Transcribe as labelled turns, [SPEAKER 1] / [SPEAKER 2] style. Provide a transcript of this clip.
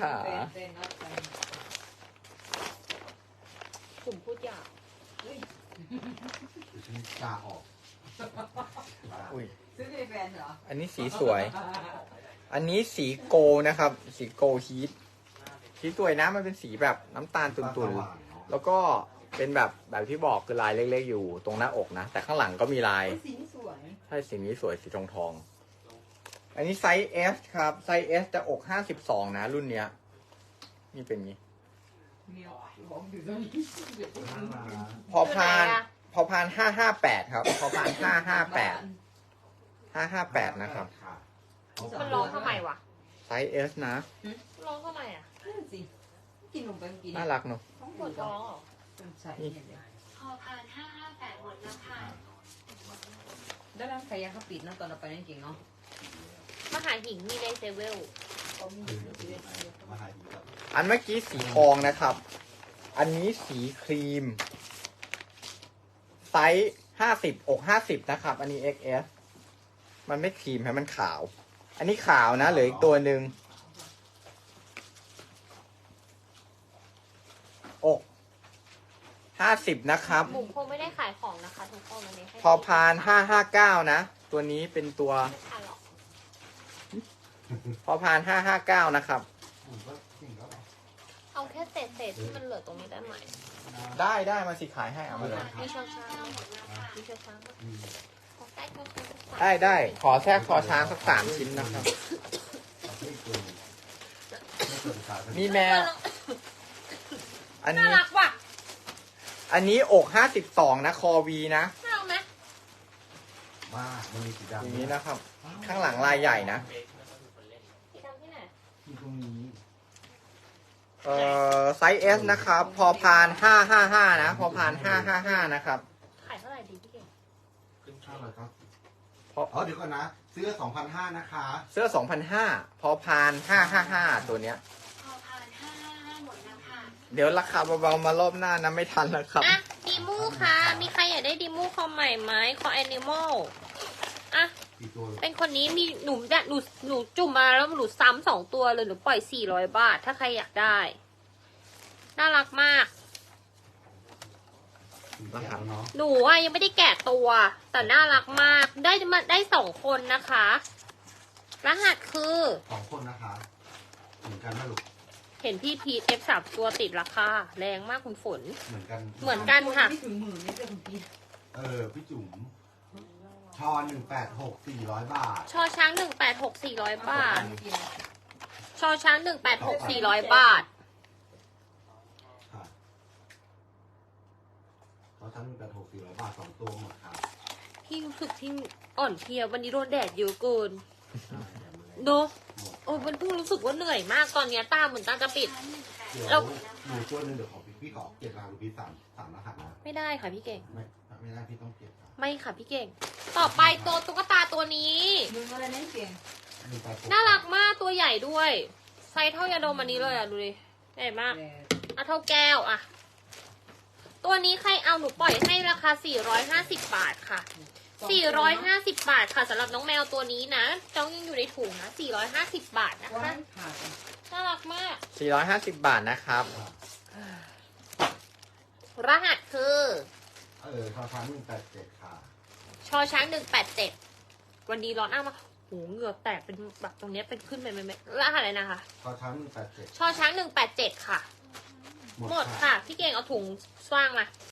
[SPEAKER 1] เป็นนัดกัน
[SPEAKER 2] กลุ่มพูดหยาบ
[SPEAKER 1] เฮ้ย
[SPEAKER 3] เดี๋ยวฉันกาออก
[SPEAKER 4] อุ้ย
[SPEAKER 1] ซื้อให้แฟนเหรอ
[SPEAKER 4] อันนี้สีสวย อันนี้สีโกนะครับ สีโกฮีทสีสวยนะมันเป็นสีแบบน้ำตาลตุ่นๆ แล้วก็เป็นแบบที่บอกคือลายเล็กๆอยู่ตรงหน้าอกนะ แต่ข้างหลังก็มีลาย
[SPEAKER 1] สีนี้สวย
[SPEAKER 4] ใช่สีนี้สวยสีทองๆ อันนี้ไซส์ S ครับ ไซส์ S จะอก52นะรุ่นเนี้ย นี่เป็นงี้
[SPEAKER 1] เมียวของอยู่ตรงนี้
[SPEAKER 4] พอพาน558ครับ พอพาน558นะครับ
[SPEAKER 2] มันร้องทำไมวะ
[SPEAKER 4] ไซส์ S นะ
[SPEAKER 2] ร้องทำไมอ่ะ
[SPEAKER 1] นั่นสิกินนมไปเมื่อกี้
[SPEAKER 4] น่ารักเนอะ
[SPEAKER 1] ท้อง
[SPEAKER 2] ป
[SPEAKER 1] ป
[SPEAKER 2] ว
[SPEAKER 1] ว
[SPEAKER 2] ด
[SPEAKER 1] ด
[SPEAKER 2] ร้
[SPEAKER 1] ร้
[SPEAKER 2] อ
[SPEAKER 1] อง ง
[SPEAKER 2] เหรอ
[SPEAKER 1] ใส่เนี่ยเดี๋ยว
[SPEAKER 5] พอพาน558หมดแล้วค่ะ
[SPEAKER 1] ด้านล่างใครยังเขาปิดนะตอนเราไปนั่นเก่งเนาะ
[SPEAKER 2] มหาหิงมีเลเซเวล
[SPEAKER 1] เขามีชีวิต
[SPEAKER 3] มาหาดีครับ
[SPEAKER 4] อันเมื่อกี้สีทองนะครับ อันนี้สีครีม ไซส์50อก50นะครับ อันนี้ XS มันไม่ครีมให้มันขาว อันนี้ขาวนะเหลืออีกตัวหนึ่งอก50นะครับ
[SPEAKER 2] บุ๋มคงไม่ได้ขายของนะคะทุกคนวันนี้ให้
[SPEAKER 4] พอพาน559นะ ตัวนี้เป็นตัว
[SPEAKER 2] ไม่ทันหรอก
[SPEAKER 4] พอพาน559นะครับ
[SPEAKER 3] ผมก็จริงแล้วเหรอ
[SPEAKER 2] เอาแค่เศษที่มันเหลือตรงนี้ได้ไหม
[SPEAKER 4] ได้มาสิขายให้เอามาเลย
[SPEAKER 2] มีชอช้างมีชอช้าง
[SPEAKER 3] อืม
[SPEAKER 2] ขอใกล้ชอช้างสักสาม
[SPEAKER 4] ได้ขอแทรกคอช้างสัก3ชิ้นนะครับ
[SPEAKER 3] เอาไปอีกตัวหนึ่งไม่เปิดขายสัก
[SPEAKER 4] มีแมว อัน
[SPEAKER 2] น่า
[SPEAKER 4] นี้
[SPEAKER 2] รักว่ะ
[SPEAKER 4] อันนี้อก52นะคอวีนะ
[SPEAKER 2] น่ารักไหม
[SPEAKER 3] มากมันมีสี
[SPEAKER 4] อ
[SPEAKER 3] ดำ
[SPEAKER 4] ย่างนี้นะครับ ข้างหลังลายใหญ่นะ
[SPEAKER 2] สีดำที่ไหน
[SPEAKER 3] ที่ตรงนี้
[SPEAKER 4] ไซส์ S นะครับ พอพาน555นะ พอพาน555นะครับ
[SPEAKER 2] ขายเท่าไหร่ดีพี่เก่ง
[SPEAKER 3] ข้าวอะไรครับ
[SPEAKER 4] เพราะ
[SPEAKER 3] อ๋อเดี๋ยวก่อนนะเสื้อ2,500นะคะ
[SPEAKER 4] เสื้อ2,500พอพาน555ตัวเนี้ย
[SPEAKER 5] พอพาน555หมดแล้วค่ะ
[SPEAKER 4] เดี๋ยวราคาเบาๆมารอบหน้านะไม่ทันแล้วครับ
[SPEAKER 2] อ่ะดีมูค่ะ มีใครอยากได้ดีมูคอใหม่ไหมคอแอนิมอลอ่ะ
[SPEAKER 3] กี่ตัว
[SPEAKER 2] เป็นคนนี้มีหนูจุ่มมาแล้วหนูซ้ำ2 ตัวเลยหนูปล่อย400 บาท ถ้าใครอยากได้ น่ารักมาก
[SPEAKER 3] นะครับ เนาะ
[SPEAKER 2] หนูอ่ะยังไม่ได้แกะตัว แต่น่ารักมาก ได้2 คนนะคะ รหัสคือ
[SPEAKER 3] 2 คนนะคะเหมือนกันนะลูก
[SPEAKER 2] เห็นพี่พีท F3 ตัวติดราคา แรงมากคุณฝน
[SPEAKER 3] เหมือนกัน
[SPEAKER 2] เหมือนกันค่ะ
[SPEAKER 1] ไม่ถึงหมื่นนี่จะคุณพี่
[SPEAKER 3] พี่จุ๋มชอ186 400 บาท
[SPEAKER 2] ชอช้าง186 400 บาท ชอช้าง186 400 บาท
[SPEAKER 3] ค่ะเขาทั้ง186 400 บาท 2 ตัวหมดค่ะ
[SPEAKER 2] พี่รู้สึกที่อ่อนเพลียวันนี้โดนแดดเยอะเกิน
[SPEAKER 3] ใช่แต่มันเลย
[SPEAKER 2] เนอะ
[SPEAKER 3] หมด
[SPEAKER 2] โอ้ยมันเพิ่งรู้สึกว่าเหนื่อยมากตอนเนี้ยตาเหมือนตาจะปิด
[SPEAKER 3] เดี๋ยวหนูตัวหนึงเดี๋ยวขอพี่ขอเก็บรางพี่3รหัสนะ
[SPEAKER 2] ไม่ได้ค่ะพี่เก่ง
[SPEAKER 3] ไม่ได้พี่ต้องเก็บค่ะ
[SPEAKER 2] ไม่ค่ะพี่เก่ง ต่อไปตัวตุ๊กตาตัวนี้
[SPEAKER 1] มึงอะไรนั่นเก่ง
[SPEAKER 2] น่ารักมากตัวใหญ่ด้วย ไซส์เท่ายาดมอันนี้เลยอ่ะดูดิใหญ่มาก
[SPEAKER 1] แต่
[SPEAKER 2] อ่ะเท่าแก้วอ่ะ ตัวนี้ใครเอาหนูปล่อยให้ราคา450 บาทค่ะ450 บาทค่ะสำหรับน้องแมวตัวนี้นะจ้องยังอยู่ในถุงนะ450 บาทนะ
[SPEAKER 1] ว่า
[SPEAKER 2] คะ
[SPEAKER 1] ขาด
[SPEAKER 2] น่ารักมาก
[SPEAKER 4] 450 บาทนะครับ
[SPEAKER 2] รหัสคือ
[SPEAKER 3] ชอช้าง187ค่ะ
[SPEAKER 2] ชอช้าง187 วันนี้ร้อนอ้ากมาโหเหงื่อแตกเป็นแบบตรงเนี้ยเป็นขึ้นไปไหมรหัสอะไรนะคะ
[SPEAKER 3] ชอช้าง187
[SPEAKER 2] ชอช้าง187 ค่ะ หมดค่ะ พี่เก่งเอาถุงสว่างมา